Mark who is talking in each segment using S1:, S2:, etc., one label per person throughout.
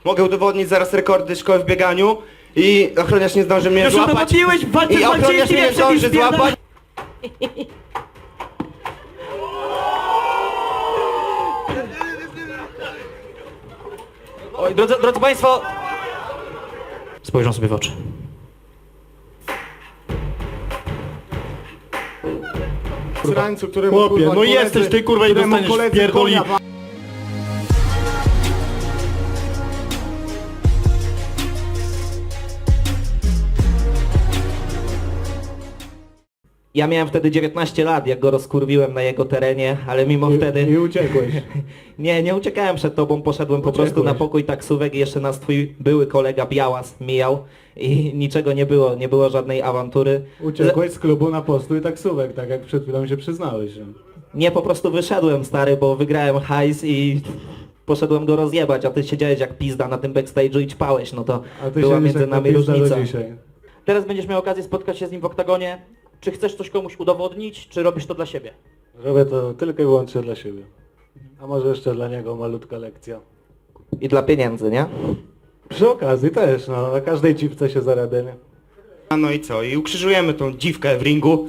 S1: Mogę udowodnić zaraz rekordy szkoły w bieganiu i ochroniarz nie zdąży mnie
S2: Już
S1: złapać.
S2: udowodniłeś w walce
S1: I
S2: z
S1: ochroniarz
S2: Walczyńskim,
S1: mnie nie
S2: jak przecież
S1: zdąży złapać.
S2: Oj, drodzy Państwo, spojrzą sobie w oczy.
S3: Srańcu, któremu
S4: Chłopie,
S3: kurwa,
S4: no
S3: koledzy-
S4: jesteś ty kurwa i
S3: któremu
S4: dostaniesz
S3: koledzy
S4: pierdoli.
S3: konia wa-
S2: Ja miałem wtedy 19 lat, jak go rozkurwiłem na jego terenie, ale mimo wtedy...
S3: I uciekłeś.
S2: Nie uciekałem przed tobą, poszedłem po prostu na
S3: Uciekłeś.
S2: pokój taksówek i jeszcze nas twój były kolega Białas mijał i niczego nie było żadnej awantury.
S3: Uciekłeś z klubu na postój taksówek, tak jak przed chwilą się przyznałeś. Że...
S2: Nie, po prostu wyszedłem, stary, bo wygrałem hajs i poszedłem go rozjebać, a ty siedziałeś jak pizda na tym backstage'u i ćpałeś, no to
S3: A ty
S2: była
S3: siedzisz
S2: między
S3: jak
S2: nami
S3: napizda do
S2: różnica.
S3: dzisiaj.
S5: Teraz będziesz miał okazję spotkać się z nim w oktagonie. Czy chcesz coś komuś udowodnić, czy robisz to dla siebie?
S3: Robię to tylko i wyłącznie dla siebie. A może jeszcze dla niego malutka lekcja.
S2: I dla pieniędzy, nie?
S3: Przy okazji też, no, na każdej dziwce się zarabia, nie?
S1: No i co? I ukrzyżujemy tą dziwkę w ringu.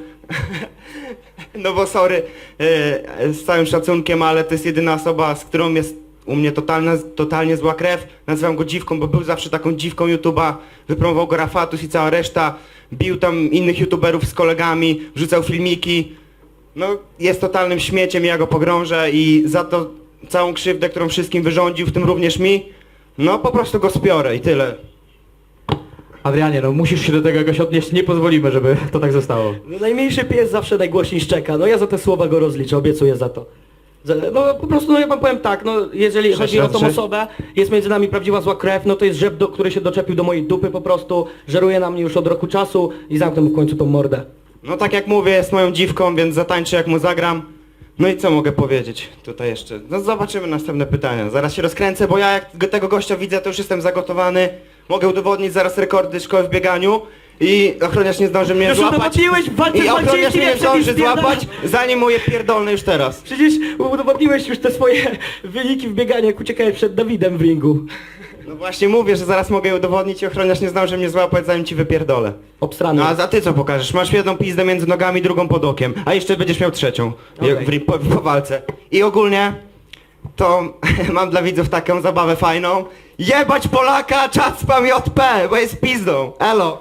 S1: No bo sorry, z całym szacunkiem, ale to jest jedyna osoba, z którą jest u mnie totalnie zła krew. Nazywam go dziwką, bo był zawsze taką dziwką YouTube'a. Wypromował go Rafatus i cała reszta. Bił tam innych YouTuberów z kolegami, wrzucał filmiki. No jest totalnym śmieciem i ja go pogrążę i za to całą krzywdę, którą wszystkim wyrządził, w tym również mi, no po prostu go spiorę i tyle.
S5: Adrianie, no musisz się do tego jakoś odnieść, nie pozwolimy, żeby to tak zostało.
S6: No, najmniejszy pies zawsze najgłośniej szczeka, no ja za te słowa go rozliczę, obiecuję za to. No po prostu, no ja wam powiem tak, no jeżeli chodzi o tą osobę, jest między nami prawdziwa zła krew, no to jest żeb, który się doczepił do mojej dupy po prostu, żeruje na mnie już od roku czasu i zamknę mu w końcu tą mordę.
S1: No tak jak mówię, jest moją dziwką, więc zatańczę jak mu zagram. No i co mogę powiedzieć tutaj jeszcze? No zobaczymy następne pytania. Zaraz się rozkręcę, bo ja jak tego gościa widzę, to już jestem zagotowany. Mogę udowodnić zaraz rekordy szkoły w bieganiu i ochroniarz nie zdąży mnie
S6: Już
S1: złapać.
S6: udowodniłeś w walce
S1: I
S6: z
S1: ochroniarz
S6: Walczyńskim,
S1: mnie nie
S6: jak przecież
S1: zdąży
S6: spierdala-
S1: złapać, zanim mu je pierdolny już teraz.
S6: Przecież udowodniłeś już te swoje wyniki w bieganiu, jak uciekałeś przed Dawidem w ringu.
S1: No właśnie mówię, że zaraz mogę udowodnić i ochroniarz nie zdąży mnie złapać, zanim ci wypierdolę.
S6: Obstrany.
S1: No a za ty co pokażesz? Masz jedną pizdę między nogami, drugą pod okiem, a jeszcze będziesz miał trzecią
S6: Okej.
S1: po walce. I ogólnie to mam dla widzów taką zabawę fajną. Jebać Polaka, czat spam JP, bo jest pizdą. Elo.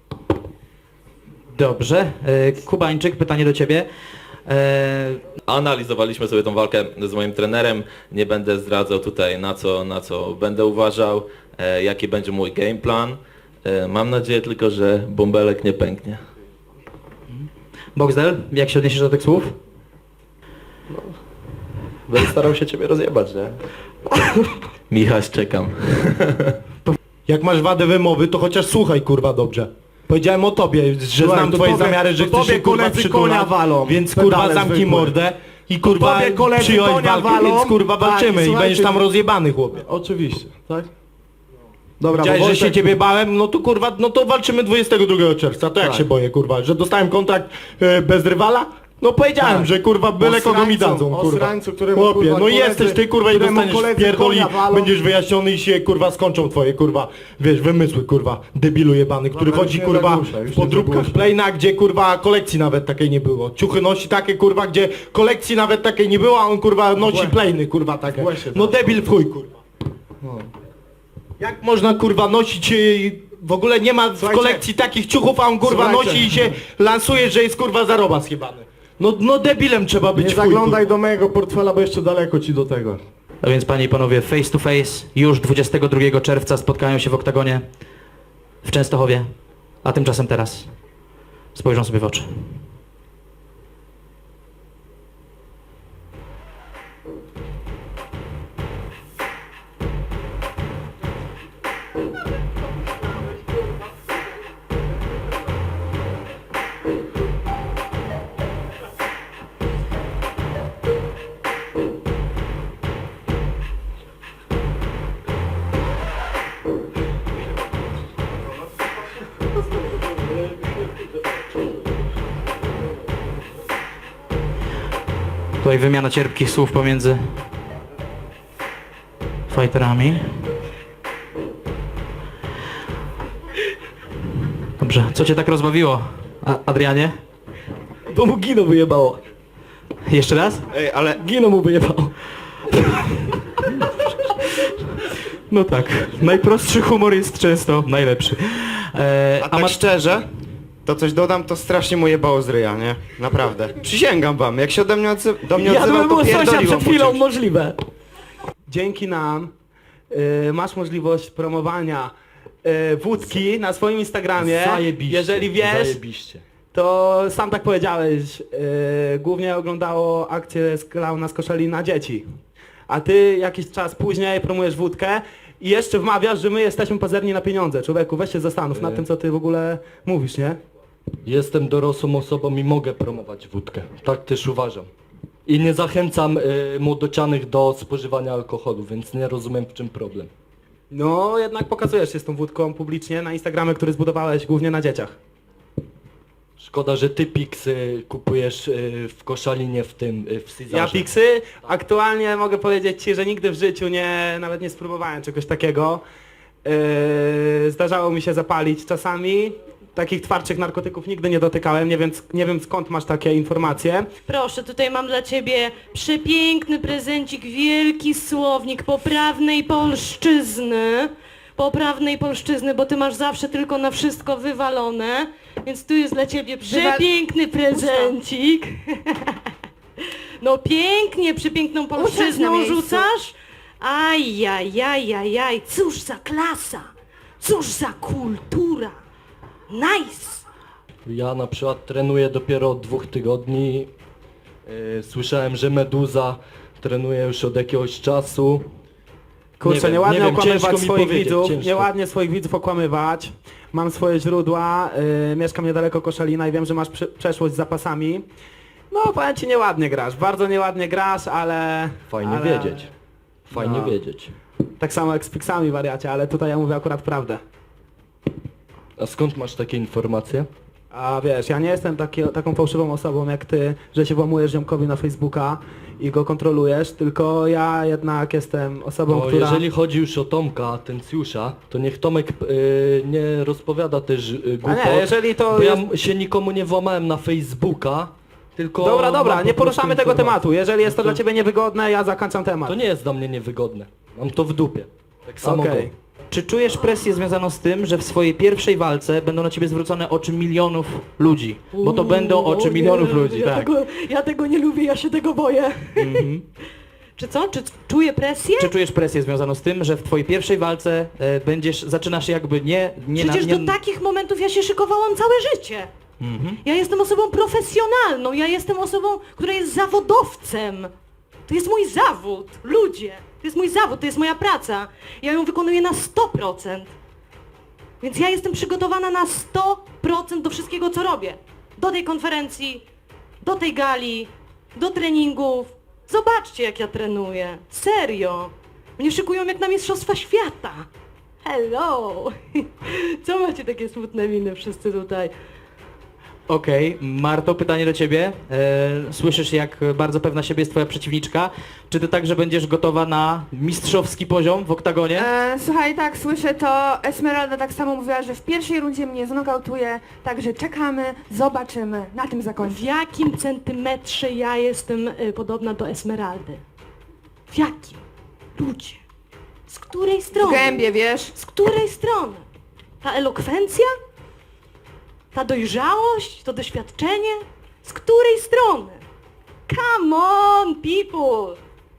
S5: Dobrze. Kubańczyk, pytanie do ciebie.
S7: Analizowaliśmy sobie tą walkę z moim trenerem. Nie będę zdradzał tutaj na co będę uważał, jaki będzie mój game plan. Mam nadzieję tylko, że bąbelek nie pęknie.
S5: Boxdel, jak się odniesiesz do tych słów?
S4: Będę starał się ciebie rozjebać, nie?
S7: Michał, czekam.
S4: Jak masz wadę wymowy, to chociaż słuchaj kurwa dobrze. Powiedziałem o tobie, że
S3: Słuchaj,
S4: znam
S3: to
S4: twoje
S3: tobie-
S4: zamiary, że
S3: to
S4: chcesz
S3: tobie
S4: się kurwa
S3: koledzy
S4: przytulać,
S3: konia walą,
S4: więc
S3: pedale
S4: kurwa zamknij
S3: zwykłe.
S4: mordę i kurwa
S3: tobie koledzy
S4: przyjąłeś
S3: konia
S4: walkę,
S3: walą,
S4: więc kurwa
S3: tak,
S4: walczymy i
S3: słuchajcie-
S4: będziesz tam rozjebany chłopie.
S3: Oczywiście, tak? Dobra,
S4: Powiedziałeś,
S3: bo
S4: że się
S3: Wojtek-
S4: ciebie bałem, no to kurwa, no to walczymy 22 czerwca, to jak
S3: Tak.
S4: się boję kurwa, że dostałem kontrakt bez rywala? No powiedziałem,
S3: Tak.
S4: że kurwa byle kogo mi dadzą,
S3: O
S4: kurwa.
S3: srańcu, któremu
S4: Chłopie,
S3: kurwa
S4: no
S3: koledzy-
S4: jesteś ty kurwa i
S3: któremu
S4: dostaniesz
S3: koledzy
S4: pierdoli,
S3: konia walą.
S4: będziesz wyjaśniony i się kurwa skończą twoje kurwa, wiesz, wymysły kurwa, debilu jebany, który
S3: Dobra,
S4: chodzi
S3: już nie
S4: kurwa
S3: zagłuszaj, już
S4: w
S3: nie
S4: podróbkach
S3: zagłuszaj.
S4: Playna, gdzie kurwa kolekcji nawet takiej nie było. Ciuchy nosi takie kurwa, gdzie kolekcji nawet takiej nie było, a on kurwa nosi
S3: Właśnie.
S4: Playny kurwa takie.
S3: Właśnie
S4: No
S3: tak.
S4: debil w chuj kurwa. Jak można kurwa nosić, w ogóle nie ma w
S3: Słuchajcie.
S4: kolekcji takich ciuchów, a on kurwa
S3: Słuchajcie.
S4: nosi i się lansuje, że jest kurwa zaroba schybany. No debilem trzeba być
S3: Nie
S4: w chuj,
S3: zaglądaj
S4: kurwa.
S3: do mojego portfela, bo jeszcze daleko ci do tego.
S5: A więc panie i panowie, face to face już 22 czerwca spotkają się w oktagonie w Częstochowie, a tymczasem teraz spojrzą sobie w oczy. Tutaj wymiana cierpkich słów pomiędzy fighterami. Dobrze, co cię tak rozbawiło, Adrianie?
S6: Bo mu Gino wyjebało.
S5: Jeszcze raz?
S1: Ej, ale
S6: Gino mu wyjebało.
S5: No tak, najprostszy humor jest często najlepszy.
S1: a tak szczerze, to coś dodam, to strasznie mu jebało z ryja, nie? Naprawdę. Przysięgam wam, jak się do mnie
S6: Ja
S1: odzywał,
S6: bym
S1: to
S6: był sąsiad
S1: pierdoliło
S6: przed
S1: mu
S6: chwilą
S1: czymś.
S6: możliwe.
S2: Dzięki nam masz możliwość promowania wódki na swoim Instagramie.
S3: Zajebiście.
S2: Jeżeli wiesz,
S3: Zajebiście.
S2: to sam tak powiedziałeś, głównie oglądało akcję z Klauna z Koszalina dzieci. A ty jakiś czas później promujesz wódkę i jeszcze wmawiasz, że my jesteśmy pazerni na pieniądze. Człowieku, weź się zastanów nad tym, co ty w ogóle mówisz, nie?
S3: Jestem dorosłą osobą i mogę promować wódkę. Tak też uważam. I nie zachęcam młodocianych do spożywania alkoholu, więc nie rozumiem, w czym problem.
S2: No, jednak pokazujesz się z tą wódką publicznie na Instagramie, który zbudowałeś głównie na dzieciach.
S3: Szkoda, że ty Pixy kupujesz w Koszalinie w Cezarze.
S2: Ja Pixy, aktualnie mogę powiedzieć ci, że nigdy w życiu nawet nie spróbowałem czegoś takiego. Zdarzało mi się zapalić czasami. Takich twardszych narkotyków nigdy nie dotykałem, nie wiem skąd masz takie informacje.
S8: Proszę, tutaj mam dla ciebie przepiękny prezencik, wielki słownik poprawnej polszczyzny. Poprawnej polszczyzny, bo ty masz zawsze tylko na wszystko wywalone. Więc tu jest dla ciebie przepiękny prezencik. No pięknie, przepiękną
S9: Usiądź na
S8: polszczyzną
S9: miejscu.
S8: rzucasz. Ajajajajaj, cóż za klasa, cóż za kultura. Nice!
S3: Ja na przykład trenuję dopiero od 2 tygodni. Słyszałem, że Meduza trenuje już od jakiegoś czasu.
S2: Kurczę, nieładnie
S3: ciężko
S2: okłamywać
S3: mi
S2: swoich
S3: powiedzieć,
S2: widzów,
S3: ciężko.
S2: nieładnie swoich widzów okłamywać. Mam swoje źródła, mieszkam niedaleko Koszalina i wiem, że masz przeszłość z zapasami. No, powiem ci, nieładnie grasz, bardzo nieładnie grasz, ale...
S3: Fajnie
S2: ale...
S3: wiedzieć. Fajnie
S2: No.
S3: wiedzieć.
S2: Tak samo jak z Pixami, wariacie, ale tutaj ja mówię akurat prawdę.
S3: A skąd masz takie informacje?
S2: A wiesz, ja nie jestem taką fałszywą osobą jak ty, że się włamujesz ziomkowi na Facebooka i go kontrolujesz, tylko ja jednak jestem osobą,
S3: Bo
S2: która...
S3: jeżeli chodzi już o Tomka Atencjusza, to niech Tomek nie rozpowiada też głupot.
S2: A nie, jeżeli to
S3: bo
S2: jest...
S3: ja się nikomu nie włamałem na Facebooka, tylko...
S2: Dobra,
S3: mam po
S2: nie poruszamy
S3: prostu
S2: tego
S3: informacje.
S2: tematu. Jeżeli jest to
S3: No
S2: dla ciebie niewygodne, ja zakończam temat.
S3: To nie jest dla mnie niewygodne. Mam to w dupie. Tak samo
S2: Okej.
S3: go.
S5: Czy czujesz presję związaną z tym, że w swojej pierwszej walce będą na ciebie zwrócone oczy milionów ludzi? Bo to będą oczy
S8: O nie,
S5: milionów ludzi,
S8: ja
S5: tak.
S8: Ja tego nie lubię, ja się tego boję. Czy co? Czy czuję presję?
S5: Czy czujesz presję związaną z tym, że w twojej pierwszej walce zaczynasz jakby nie
S8: Przecież do takich momentów ja się szykowałam całe życie. Ja jestem osobą profesjonalną, ja jestem osobą, która jest zawodowcem. To jest mój zawód, ludzie. To jest mój zawód, to jest moja praca. Ja ją wykonuję na 100%. Więc ja jestem przygotowana na 100% do wszystkiego, co robię. Do tej konferencji, do tej gali, do treningów. Zobaczcie, jak ja trenuję. Serio. Mnie szykują jak na Mistrzostwa Świata. Hello! Co macie takie smutne miny wszyscy tutaj?
S5: Okej, Marto, pytanie do ciebie. Słyszysz, jak bardzo pewna siebie jest twoja przeciwniczka. Czy ty także będziesz gotowa na mistrzowski poziom w oktagonie?
S9: Słuchaj, tak, słyszę to. Esmeralda tak samo mówiła, że w pierwszej rundzie mnie znokautuje, także czekamy, zobaczymy. Na tym
S8: W
S9: zakończy.
S8: jakim centymetrze ja jestem podobna do Esmeraldy? W jakim? Ludzie. Z której
S9: W
S8: strony?
S9: gębie, wiesz?
S8: Z której strony? Ta elokwencja? Ta dojrzałość? To doświadczenie? Z której strony? Come on, people!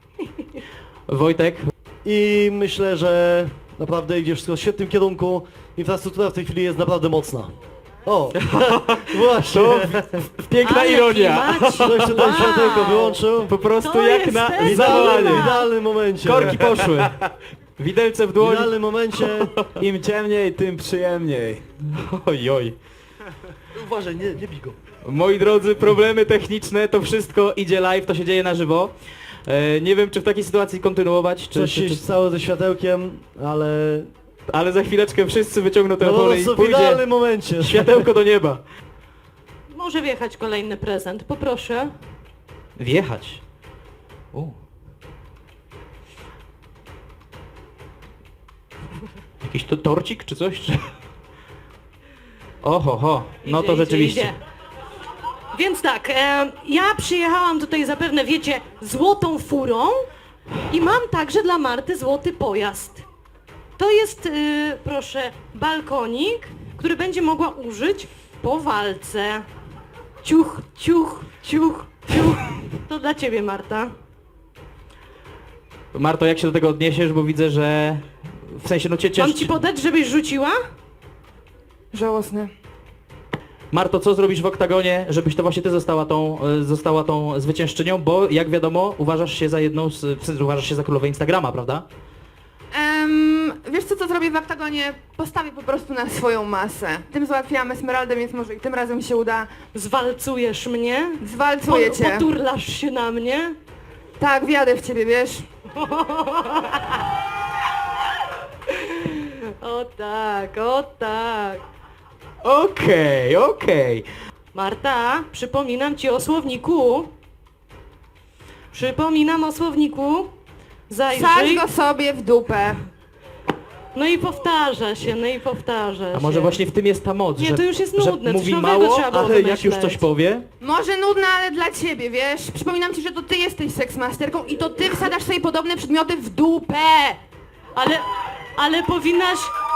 S5: Wojtek,
S10: I myślę, że naprawdę idzie wszystko w świetnym kierunku. Infrastruktura w tej chwili jest naprawdę mocna. O, właśnie.
S5: piękna
S8: Ale
S5: ironia.
S8: klimaci.
S10: Ktoś tutaj światełko wyłączył.
S5: Po prostu
S8: To
S5: jak
S8: jest
S5: na
S8: ten
S10: W
S5: zawołanie.
S10: idealnym momencie.
S5: Korki poszły. Widelce w
S10: W
S5: dłoń.
S10: idealnym momencie.
S2: Im ciemniej, tym przyjemniej.
S5: Oj.
S10: Uważaj, nie bij go.
S5: Moi drodzy, problemy techniczne, to wszystko idzie live, to się dzieje na żywo. Nie wiem, czy w takiej sytuacji kontynuować,
S10: Coś się stało ze światełkiem,
S5: ale za chwileczkę wszyscy wyciągną
S10: no po
S5: telefony i
S10: prostu w
S5: pójdzie
S10: idealnym momencie.
S5: światełko do nieba.
S8: Może wjechać kolejny prezent, poproszę.
S5: Wjechać. O. Jakiś to torcik czy coś? Czy... Oho, no to
S8: Idzie,
S5: rzeczywiście.
S8: idzie. Więc tak, ja przyjechałam tutaj zapewne, wiecie, złotą furą i mam także dla Marty złoty pojazd. To jest, proszę, balkonik, który będzie mogła użyć po walce. Ciuch, ciuch, ciuch, ciuch. To dla ciebie, Marta.
S5: Marto, jak się do tego odniesiesz, bo widzę, że w sensie no cię
S8: Mam
S5: cieszy.
S8: ci podać, żebyś rzuciła?
S9: Żałosne.
S5: Marto, co zrobisz w oktagonie, żebyś to właśnie ty została tą zwyciężczynią, bo jak wiadomo, uważasz się za jedną w sensie, uważasz się za królowę Instagrama, prawda?
S9: Wiesz co zrobię w oktagonie? Postawię po prostu na swoją masę. Tym załatwiłam Esmeraldę, więc może i tym razem się uda.
S8: Zwalcujesz mnie?
S9: Zwalcuję cię.
S8: Poturlasz się na mnie?
S9: Tak, wjadę w ciebie, wiesz?
S8: O tak, o tak.
S5: Okej.
S8: Marta, przypominam o słowniku.
S9: Sadź
S8: Zajrzyj.
S9: go sobie w dupę.
S8: No i powtarza się.
S5: A może właśnie w tym jest ta moc,
S8: Nie,
S5: że,
S8: to już jest
S5: że
S8: nudne,
S5: mówi
S8: coś nowego
S5: mało,
S8: trzeba było
S5: ale jak już
S8: wymyśleć.
S5: coś powie,
S9: Może nudna, ale dla ciebie, wiesz? Przypominam ci, że to ty jesteś seksmasterką i to ty wsadasz sobie podobne przedmioty w dupę.
S8: Ale powinnaś...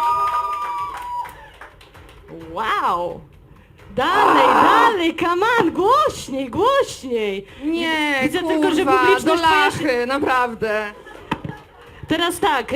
S8: Wow! Dalej, come on, głośniej!
S9: Nie,
S8: Widzę
S9: kurwa,
S8: tylko, że
S9: do
S8: publiczność
S9: lachy, naprawdę.
S8: Teraz tak,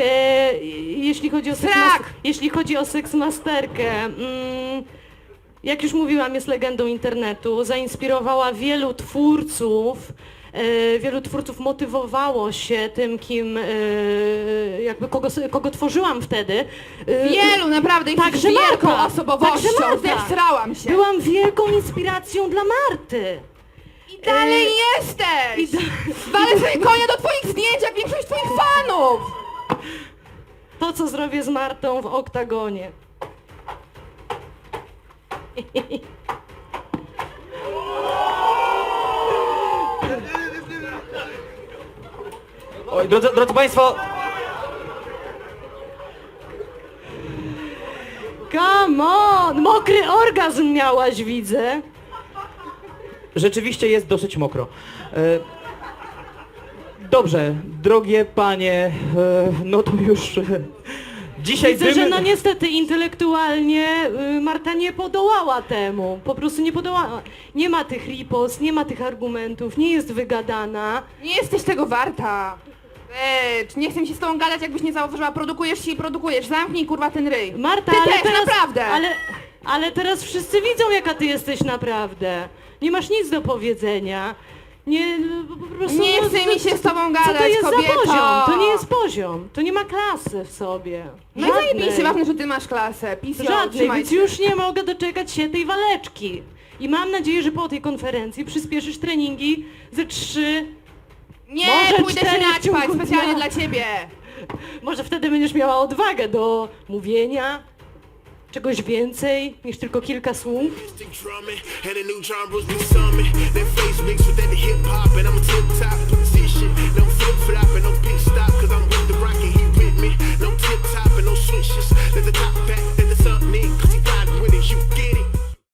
S8: jeśli chodzi o seksmasterkę, jak już mówiłam, jest legendą internetu, zainspirowała wielu twórców motywowało się tym, kim, jakby kogo tworzyłam wtedy.
S9: Wielu, naprawdę, jesteś
S8: Także
S9: wielką
S8: Marta,
S9: osobowością,
S8: także Marta.
S9: zesrałam się.
S8: Byłam wielką inspiracją dla Marty.
S9: I dalej jesteś! Walę sobie konia do twoich zdjęć, jak większość twoich fanów!
S8: To, co zrobię z Martą w oktagonie.
S5: Oj, drodzy Państwo,
S8: Come on! Mokry orgazm miałaś, widzę.
S5: rzeczywiście jest dosyć mokro. Dobrze, drogie panie, no to już dzisiaj
S8: Widzę, że no niestety intelektualnie Marta nie podołała temu. Po prostu nie podołała. Nie ma tych ripost, nie ma tych argumentów, nie jest wygadana.
S9: Nie jesteś tego warta. Nie chcę mi się z tobą gadać, jakbyś nie zauważyła. Produkujesz się i produkujesz. Zamknij kurwa ten ryj.
S8: Marta,
S9: Ty
S8: ale
S9: też,
S8: teraz,
S9: naprawdę.
S8: ale teraz wszyscy widzą, jaka ty jesteś naprawdę. Nie masz nic do powiedzenia. Nie, po prostu,
S9: Nie chce mi się z tobą
S8: Co
S9: gadać,
S8: to jest
S9: kobieto.
S8: za poziom? To nie jest poziom. To nie ma klasy w sobie.
S9: No i zajebiście, ważne, że ty masz klasę. PCO,
S8: Żadnej,
S9: trzymaj
S8: więc
S9: się.
S8: już nie mogę doczekać się tej waleczki. I mam nadzieję, że po tej konferencji przyspieszysz treningi ze 3,
S9: Nie,
S8: może
S9: pójdę się
S8: 4 w
S9: naćpać
S8: ciągu
S9: specjalnie
S8: dnia.
S9: dla ciebie.
S8: Może wtedy będziesz miała odwagę do mówienia czegoś więcej niż tylko kilka słów.
S11: drumming, and the new genres be summing. That face mixed with that hip hop, and I'm a tip top position. No flip flop and no pit stop, cause I'm with the rock and he with me. No tip top and no switches. Let the top